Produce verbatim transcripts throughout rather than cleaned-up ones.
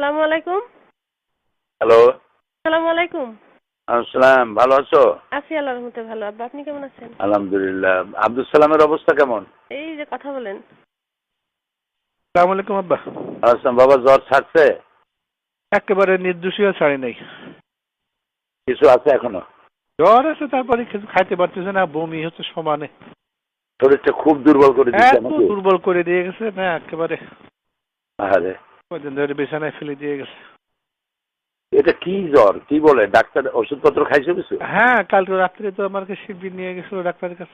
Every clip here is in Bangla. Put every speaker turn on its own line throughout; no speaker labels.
আসসালামু আলাইকুম।
হ্যালো।
আসসালামু আলাইকুম।
আসসালাম, ভালো আছো?
আছি আল্লাহর রহমতে ভালো। আব্বা আপনি কেমন আছেন?
আলহামদুলিল্লাহ। আব্দুল সালামের অবস্থা কেমন?
এই যে কথা বলেন।
আসসালামু আলাইকুম আব্বা।
আসসালাম। বাবা জ্বর ছাড়ছে?
একেবারে নির্দোষীয় ছাড়ি নাই।
কিছু আছে এখনো?
জ্বর আছে, তারপরে কিছু খাইতে পারতেছে না, বমি হচ্ছে সমানে।
শরীরটা খুব দুর্বল করে দিচ্ছে
এত
নাকি?
দুর্বল করে দিয়ে গেছে না একেবারে।
আরে
কদিন ধরে বিছানায় ফেলে দিয়ে গেছে।
এটা কি জ্বর? কি বলে ডাক্তার? ওষুধপত্র খাইছো কিছু?
হ্যাঁ, কালকে রাত্রে তো আমাকে শিবির নিয়ে গেছিল ডাক্তারের কাছে।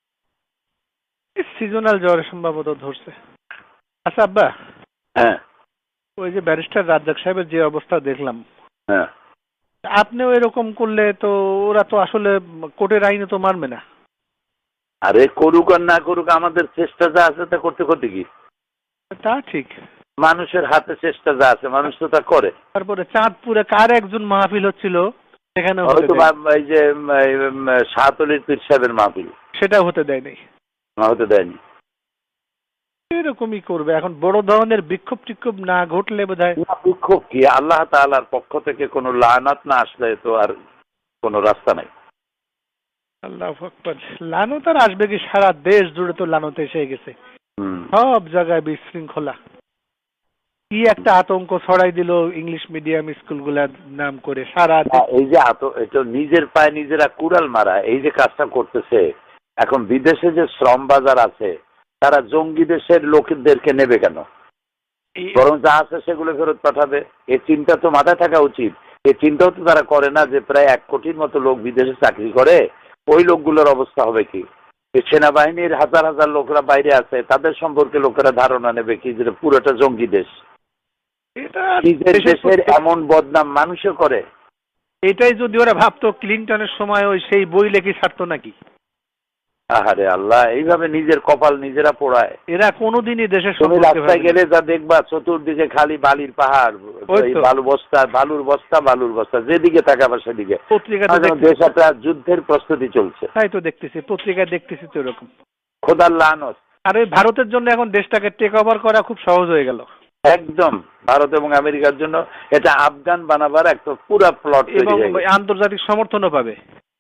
সিজনাল জ্বর সম্ভবত ধরছে। আচ্ছা আব্বা,
হ্যাঁ
ওই যে ব্যারিস্টার রাজ্জাক সাহেবের যে অবস্থা দেখলাম,
হ্যাঁ।
আপনিও এরকম করলে তো ওরা তো আসলে কোর্টের আইনে তো মানবে না।
আরে করুক আর না করুক, আমাদের চেষ্টা যা আছে তা করতে করতে কি?
তা ঠিক।
মানুষের হাতে চেষ্টা যা আছে মানুষ তো তা করে।
তারপরে চাঁদপুরে কার একজন মাহফিল হচ্ছিল, সেখানে
হয়তো এই যে শাহতলির পীর সাহেবের মাহফিল,
সেটা হতে দেয় নাই।
না হতে দেয়নি।
এরকমই করবে এখন, বড় ধরনের বিক্ষোভ টিক্ষোভ না ঘটলে বোধহয়।
বিক্ষোভ কি? আল্লাহ তাআলার পক্ষ থেকে কোনো লানাত না আসলে তো আর কোনো রাস্তা নাই।
আল্লাহু আকবার। লানত আর আসবে কি? সারা দেশ জুড়ে তো লানত এসে গেছে,
হুম।
সব জায়গায় বিশৃঙ্খলা। কি একটা আতঙ্ক ছড়াই দিল ইংলিশ মিডিয়াম স্কুলগুলার নাম করে সারা দেশ।
এই যে আত এটা নিজের পায়ে নিজেরা কুড়াল মারা, এই যে কাজটা করতেছে। এখন বিদেশে যে শ্রম বাজার আছে, তারা জঙ্গি দেশের লোকদেরকে নেবে কেন? বরং যা আছে সেগুলো ফেরত পাঠাবে। এই চিন্তা তো মাথায় থাকা উচিত। এই চিন্তাও তো তারা করে না যে প্রায় এক কোটির মতো লোক বিদেশে চাকরি করে, ওই লোকগুলোর অবস্থা হবে কি? সেনাবাহিনীর হাজার হাজার লোকরা বাইরে আছে, তাদের সম্পর্কে লোকেরা ধারণা নেবে কি যে পুরোটা জঙ্গি দেশ। নিজের দেশের এমন বদনাম মানুষও করে।
এটাই যদি ওরা ভাবতো ক্লিনটনের সময় ওই সেই বই লেখি ছাড়তো নাকি?
আহারে আল্লাহ, এইভাবে নিজের কপাল নিজেরা পোড়ায়।
এরা কোনোদিনই দেশের
তুমি রাস্তায় গেলে যা দেখবা চতুর্দিকে খালি বালির পাহাড়, বালু বস্তা, বালুর বস্তা, বালুর বস্তা, যেদিকে তাকাবা সেদিকে। দেশ একটা যুদ্ধের প্রস্তুতি চলছে।
তাই তো দেখতেছি, পত্রিকায় দেখতেছি তো এরকম।
খোদার লানত।
আর ওই ভারতের জন্য এখন দেশটাকে টেক ওভার করা খুব সহজ হয়ে গেল।
একদম ভারত এবং আমেরিকার জন্য এটা আফগান বানাবার একটা পুরা প্লট
এবং আন্তর্জাতিক সমর্থনও পাবে।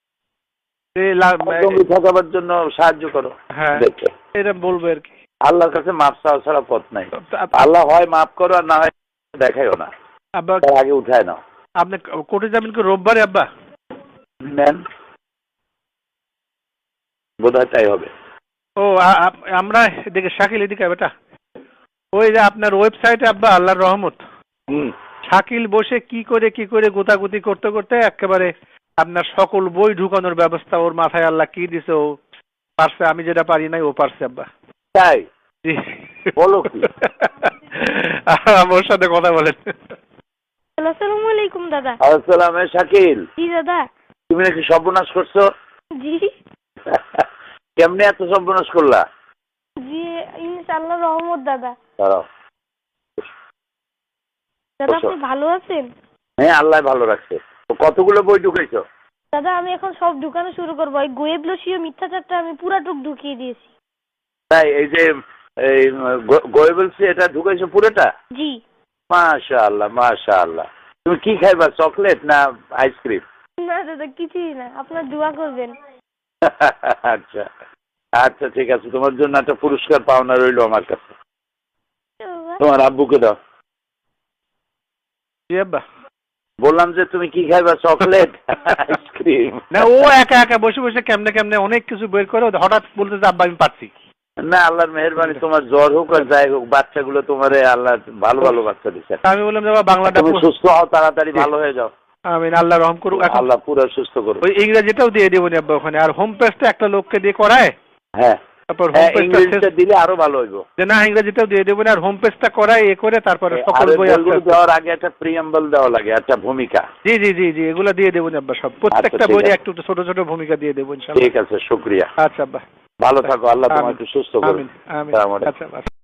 ঠকাবার জন্য সাহায্য করো।
হ্যাঁ, এটা বলবো আর কি।
আল্লাহর কাছে মাপ চাওয়া ছাড়া পথ নাই। আল্লাহ হয় মাফ করো আর না হয় দেখাইও না। আব্বা আগে উঠায় নাও।
আপনি কোর্টে যাবেন কি রোববারে আব্বা?
নেন, বোধহয় তাই হবে।
ও আমরা এদিকে শাকিল এদিকে বেটা, ওই যে আপনার ওয়েবসাইটে আব্বা আল্লাহর রহমত, শাকিল বসে কি করে কি করে গোতাগুতি করতে করতে একেবারে আপনার সকল বই ঢুকানোর ব্যবস্থা ওর মাথায় আল্লাহ কি দিছে, ও পারছে। আমি যেটা পারি নাই ও পারছে আব্বা।
তাই বলো কি?
আমার সাথে কথা বলেন।
আসসালামু আলাইকুম দাদা।
আসসালাম। শাকিল।
জি দাদা।
তুমি নাকি সর্বনাশ করছো?
জি।
কেমনে এত সর্বনাশ করলা?
জি ইনশাআল্লাহ রহমত দাদা।
দাঁড়াও।
দাদা আপনি ভালো আছেন?
হ্যাঁ, আল্লাহ ভালো রাখছে। কতগুলো বই ঢুকাইছো?
দাদা আমি এখন সব ঢুকানো শুরু করবো। এই গোয়েবলসীয় মিথ্যাচারটা আমি পুরাটুক ঢুকিয়ে দিয়েছি।
তাই এই যে এই গোয়েবলসি এটা ঢুকাইছো পুরোটা?
জি।
মাশাআল্লাহ মাশাআল্লাহ। তুমি কি খাইবা, চকলেট না আইসক্রিম?
না দাদা কিছুই না, আপনার দোয়া করবেন।
আচ্ছা আচ্ছা ঠিক আছে, তোমার জন্য একটা পুরস্কার পাওনা রইলো আমার কাছে। তোমার আব্বুকে দাও।
জি আব্বা।
বললাম যে তুমি কি খাইবা, চকলেট আইসক্রিম?
না, ও একা একা বসে বসে কেমনে কেমনে অনেক কিছু বের করে হঠাৎ বলতে যে আব্বা আমি পারছি
না। আল্লাহর মেহেরবানি, তোমার জ্বর হোক আর যাই হোক, বাচ্চাগুলো তোমারে আল্লাহ ভালো ভালো বাচ্চা দিচ্ছে।
আমি বললাম বাবা বাংলাটা
তুমি সুস্থ হও, তাড়াতাড়ি ভালো হয়ে যাও।
আমিন, আল্লাহ রহম করুক।
আল্লাহ পুরো সুস্থ করুক।
ওই ইংরেজিটাও দিয়ে দেবো আব্বা ওখানে, আর হোম পেজটা একটা লোককে দিয়ে করায়।
হ্যাঁ,
তারপর
ইংরেজিটা দিলে আরো ভালো হইবো।
যে না ইংরেজিটাও দিয়ে দেবো, আর হোম পেজটা করায় এ করে তারপরে সকল বই
দেওয়ার আগে একটা প্রিয়াম্বল দেওয়া লাগে, একটা ভূমিকা।
জি জি জি জি এগুলো দিয়ে দেবো আব্বা, সব প্রত্যেকটা বইয়ে একটু ছোট ছোট ভূমিকা দিয়ে দেবো ইনশাআল্লাহ।
ঠিক আছে, শুকরিয়া।
আচ্ছা আব্বা,
ভালো থাকো, আল্লাহ তোমাকে সুস্থ করুন।
আমিন আমিন। আচ্ছা।